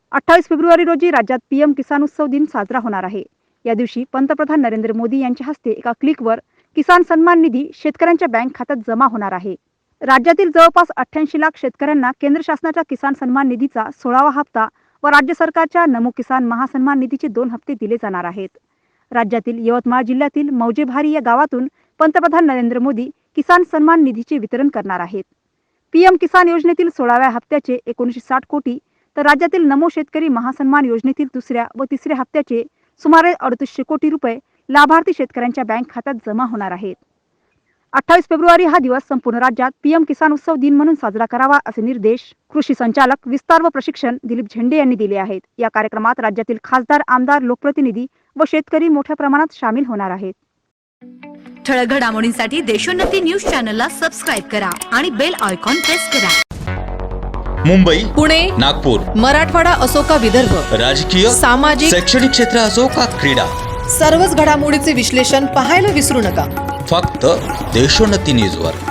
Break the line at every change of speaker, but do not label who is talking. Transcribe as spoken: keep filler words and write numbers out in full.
अठ्ठावीस फेब्रुवारी रोजी राज्यात पीएम किसान उत्सव दिन साजरा होणार आहे। या दिवशी पंतप्रधान नरेंद्र मोदी यांच्या हस्ते एका क्लिकवर किसान सन्मान निधी शेतकऱ्यांच्या बँक खात्यात जमा होणार आहे। राज्यातील जवळपास अठ्ठ्याऐंशी लाख शेतकऱ्यांना केंद्र शासनाच्या किसान सन्मान निधीचा सोळावा हप्ता व राज्य सरकारच्या नमो किसान महासन्मान निधीचे दोन हप्ते दिले जाणार आहेत। राज्यातील यवतमाळ जिल्ह्यातील मौजेभारी या गावातून पंतप्रधान नरेंद्र मोदी किसान सन्मान निधीचे वितरण करणार आहेत। पीएम किसान योजनेतील सोळाव्या हप्त्याचे एकोणीसशे साठ कोटी तर राज्यातील नमो शेतकरी महासन्मान योजनेतील दुसऱ्या व तिसऱ्या हप्त्याचे सुमारे अडतीसशे कोटी रुपये लाभार्थी शेतकऱ्यांच्या बँक खात्यात जमा होणार आहेत। अठ्ठावीस फेब्रुवारी हा दिवस संपूर्ण राज्यात पीएम किसान उत्सव दिन म्हणून साजरा करावा असे निर्देश कृषी संचालक विस्तार व प्रशिक्षण दिलीप झेंडे यांनी दिले आहेत। या कार्यक्रमात राज्यातील खासदार, आमदार, लोकप्रतिनिधी व शेतकरी मोठ्या प्रमाणात सामील होणार आहेत।
ठळक घडामोडींसाठी देशोन्नती न्यूज चॅनलला सबस्क्राइब करा आणि बेल आयकॉन प्रेस करा।
मुंबई,
पुणे,
नागपूर,
मराठवाडा असो का विदर्भ,
राजकीय,
सामाजिक,
शैक्षणिक क्षेत्र असो का क्रीडा,
सर्वच घडामोडीचे विश्लेषण पाहायला विसरू नका।
फक्त देशोन्नती न्यूजवर।